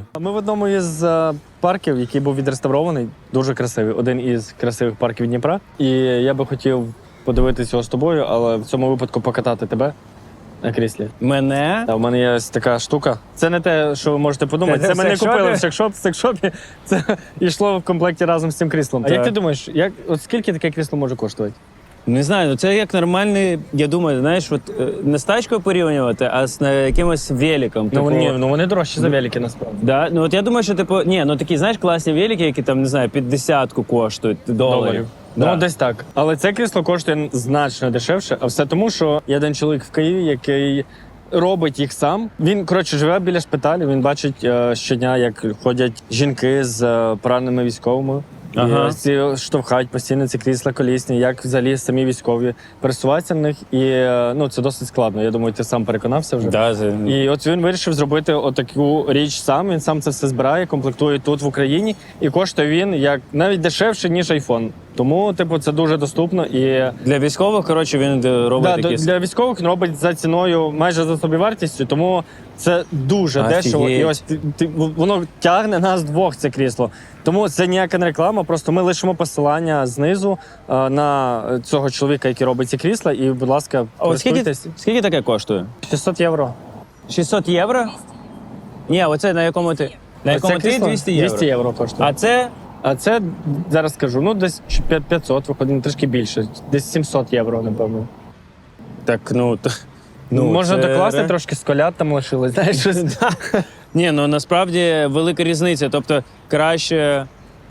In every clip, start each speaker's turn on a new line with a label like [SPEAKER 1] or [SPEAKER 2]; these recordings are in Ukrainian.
[SPEAKER 1] Ми в одному із парків, який був відреставрований, дуже красивий. Один із красивих парків Дніпра. І я би хотів подивитися його з тобою, але в цьому випадку покатати тебе на кріслі.
[SPEAKER 2] Мене?
[SPEAKER 1] Та в мене є ось така штука. Це не те, що ви можете подумати. Це мене купили в секшопі. Це йшло в комплекті разом з цим кріслом. А як ти думаєш, от скільки таке крісло може коштувати?
[SPEAKER 2] Не знаю, це як нормальний, я думаю, знаєш, от не з тачкою порівнювати, а з якимось великом.
[SPEAKER 1] Ну вони дорожчі за велики, насправді.
[SPEAKER 2] Да? Ну от я думаю, що такі, знаєш, класні велики, які там, не знаю, 50 коштують доларів.
[SPEAKER 1] Да. Ну, десь так. Але це крісло коштує значно дешевше, а все тому, що є один чоловік в Києві, який робить їх сам. Він, живе біля шпиталю, він бачить щодня, як ходять жінки з пораненими військовими.
[SPEAKER 2] Ага.
[SPEAKER 1] І ці штовхають постійно ці крісла колісні, як взагалі самі військові пересуваються на них. І це досить складно. Я думаю, ти сам переконався вже.
[SPEAKER 2] Да,
[SPEAKER 1] І от він вирішив зробити отаку річ сам. Він сам це все збирає, комплектує тут в Україні. І коштує він як навіть дешевше, ніж iPhone. Тому, це дуже доступно. І
[SPEAKER 2] для військових, він робить такі...
[SPEAKER 1] Для військових він робить за ціною, майже за собівартістю, тому це дуже дешево. І ось воно тягне нас двох, це крісло. Тому це ніяка не реклама, просто ми лишимо посилання знизу на цього чоловіка, який робить ці крісла, і, будь ласка, користуйтесь.
[SPEAKER 2] Скільки таке коштує?
[SPEAKER 1] 600 євро.
[SPEAKER 2] 600 євро? Ні, оце на якому ти? На якому ти 200 євро?
[SPEAKER 1] 200 євро коштує. А це, зараз скажу, десь 500, виходить, трішки більше. Десь 700 євро, напевно.
[SPEAKER 2] Так,
[SPEAKER 1] можна докласти, трошки з колят там лишилось, знаєш, щось.
[SPEAKER 2] Ні, насправді велика різниця, тобто краще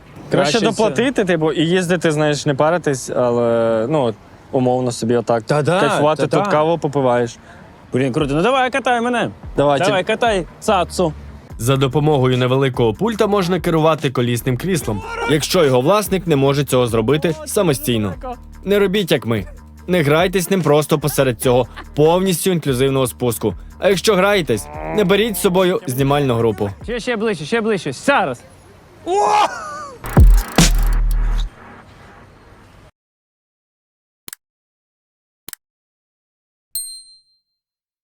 [SPEAKER 1] доплатити, і їздити, знаєш, не паритись, але, умовно собі отак кайфувати, тут каву попиваєш.
[SPEAKER 2] Блін, круто. Давай, катай мене. Давай, катай цацу.
[SPEAKER 3] За допомогою невеликого пульта можна керувати колісним кріслом, якщо його власник не може цього зробити самостійно. Не робіть, як ми. Не грайтесь ним просто посеред цього повністю інклюзивного спуску. А якщо граєтесь, не беріть з собою знімальну групу.
[SPEAKER 2] Ще ближче. Зараз.